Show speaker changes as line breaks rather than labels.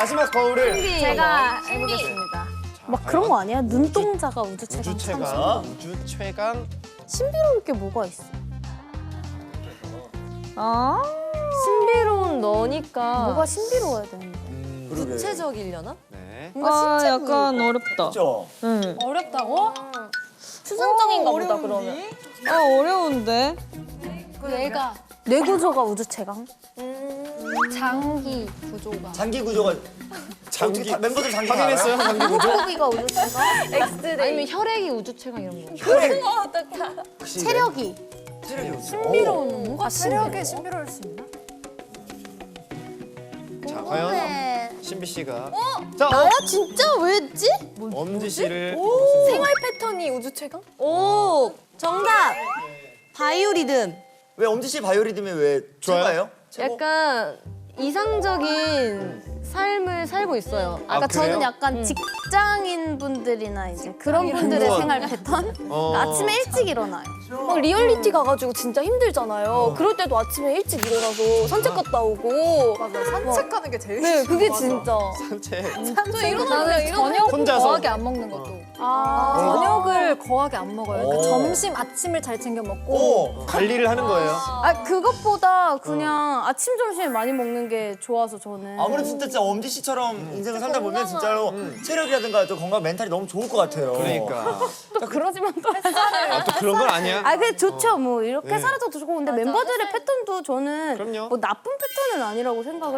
마지막 거울을
제가 해보겠습니다. 막 그런 거 아니야? 눈동자가 우주 최강.
우주 최강. 우주 최강.
신비로울 게 뭐가 있어?
아 신비로운 너니까
뭐가 신비로워야 되는데?
구체적이려나?
네.
아 약간 어렵다.
그렇죠.
응.
어렵다고?
추상적인가 보다 그러면. 아 어려운데.
얘가 뇌 구조가 우주 최강? 장기 구조가.
장기 구조가
장기
어떻게 멤버들 장기
확인했어요? 장기 구조?
호흡이가 우주 최강?
아니면 혈액이 우주 최강 이런 거.
체력이.
신비로운
뭔가 체력에 신비로울 수 있나?
자, 과연
네.
신비 씨가 자,
나야 진짜 왜지?
엄지 씨를
생활 패턴이 우주 최강? 오 정답. 바이오리듬.
왜 엄지 씨 바이오리듬이 왜
좋아요?
최고예요? 최고?
약간 이상적인 삶을 살고 있어요.
아까
그래요?
저는 약간 직장인 분들이나 이제 그런 분들의
공무원.
생활 패턴? 아침에 일찍 일어나요.
막 리얼리티 가가지고 진짜 힘들잖아요. 그럴 때도 아침에 일찍 일어나서 산책 갔다 오고.
맞아, 산책하는 게 제일
네, 그게
맞아.
진짜.
산책.
저 일어나면
저녁
혼자서.
거하게 안 먹는 것도. 저녁을 거하게 안 먹어요. 그러니까 점심, 아침을 잘 챙겨 먹고.
오.
관리를 하는 거예요.
아 그것보다 그냥 아침 점심에 많이 먹는 게 좋아서 저는.
아무래도 진짜 엄지 씨처럼 인생을 살다 보면 진짜로 체력이라든가 또 건강 멘탈이 너무 좋을 것 같아요.
그러니까.
그러지만 또.
아, 또 그런 건 아니야?
아 그게 좋죠. 뭐 이렇게
네.
살아도 좋고 근데 멤버들의 패턴도 저는
그럼요.
뭐 나쁜 패턴은 아니라고 생각을